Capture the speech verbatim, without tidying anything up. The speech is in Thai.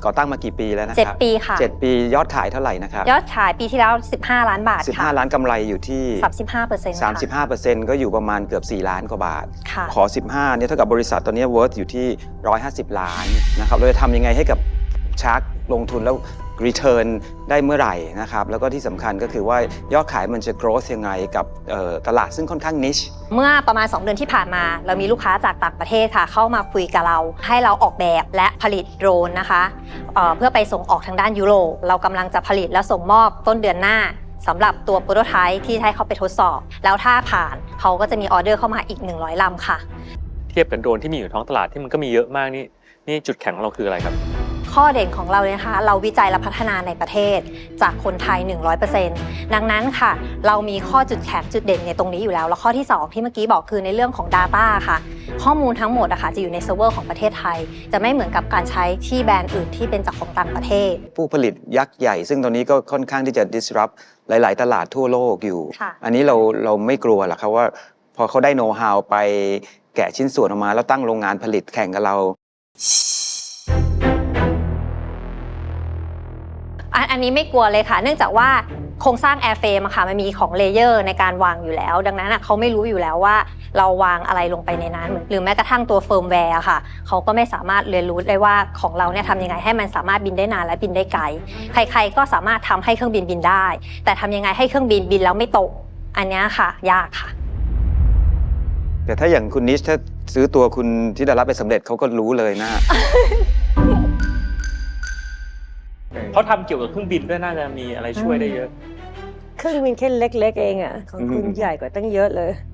ก่อตั้งมากี่ปีแล้วนะคเจ็ดรับปีค่ะเจ็ดปียอดขายเท่าไหร่นะครับยอดขายปีที่แล้วสิบห้าล้านบาทสิบค่ะห้าล้านกำไรอยู่ที่สามสิบห้าเปอร์เซ็นต์สามสิบห้าเปอร์เซ็นต์ ก็อยู่ประมาณเกือบสี่ล้านกว่าบาทค่ะขอสิบห้าเนี่ยเท่ากับบริษัทตอนนี้ worth อยู่ที่หนึ่งร้อยห้าสิบล้านนะครับเราจะทำยังไงให้กับชาร์กลงทุนแล้ว return ได้เมื่อไหร่นะครับแล้วก็ที่สำคัญก็คือว่ายอดขายมันจะ growth ยังไงกับตลาดซึ่งค่อนข้าง niche เมื่อประมาณสองเดือนที่ผ่านมาเรามีลูกค้าจากต่างประเทศค่ะเข้ามาคุยกับเราให้เราออกแบบและผลิตโดรนนะคะเอ่อเพื่อไปส่งออกทางด้านยุโรปเรากำลังจะผลิตและส่งมอบต้นเดือนหน้าสำหรับตัวโปรโตไทป์ที่ให้เขาไปทดสอบแล้วถ้าผ่านเขาก็จะมีออเดอร์เข้ามาอีกหนึ่งร้อยลำค่ะเทียบกับโดรนที่มีอยู่ท้องตลาดที่มันก็มีเยอะมากนี่นี่จุดแข็งของเราคืออะไรครับข้อเด่นของเราเลยนะคะเราวิจัยและพัฒนาในประเทศจากคนไทย หนึ่งร้อยเปอร์เซ็นต์ ดังนั้นค่ะเรามีข้อจุดแข็งจุดเด่นในตรงนี้อยู่แล้วแล้วข้อที่สองที่เมื่อกี้บอกคือในเรื่องของ Data ค่ะข้อมูลทั้งหมดอะค่ะจะอยู่ในเซิร์ฟเวอร์ของประเทศไทยจะไม่เหมือนกับการใช้ที่แบรนด์อื่นที่เป็นจากของต่างประเทศผู้ผลิตยักษ์ใหญ่ซึ่งตอนนี้ก็ค่อนข้างที่จะ disrupt หลาย ๆ ตลาดทั่วโลกอยู่อันนี้เราเราไม่กลัวหรอกครับว่าพอเขาได้โน้ตฮาวไปแกะชิ้นส่วนออกมาแล้วตั้งโรงงานผลิตแข่งกับเราอันนี้ไม่กลัวเลยค่ะเนื่องจากว่าโครงสร้างแอร์เฟรมค่ะมันมีของเลเยอร์ในการวางอยู่แล้วดังนั้นเขาไม่รู้อยู่แล้วว่าเราวางอะไรลงไปในนั้นหรือแม้กระทั่งตัวเฟิร์มแวร์ค่ะเขาก็ไม่สามารถเรียนรู้ได้ว่าของเราเนี่ยทำยังไงให้มันสามารถบินได้นานและบินได้ไกลใครๆก็สามารถทำให้เครื่องบินบินได้แต่ทำยังไงให้เครื่องบินบินแล้วไม่ตกอันนี้ค่ะยากค่ะแต่ถ้าอย่างคุณนิชถ้าซื้อตัวคุณที่ได้รับไปสำเร็จเขาก็รู้เลยนะเขาทำเกี่ยวกับเครื่องบินด้วยน่าจะมีอะไรช่วยได้เยอะเครื่องบินแค่เล็กๆเองอ่ะของคุณใหญ่กว่าตั้งเยอะเลย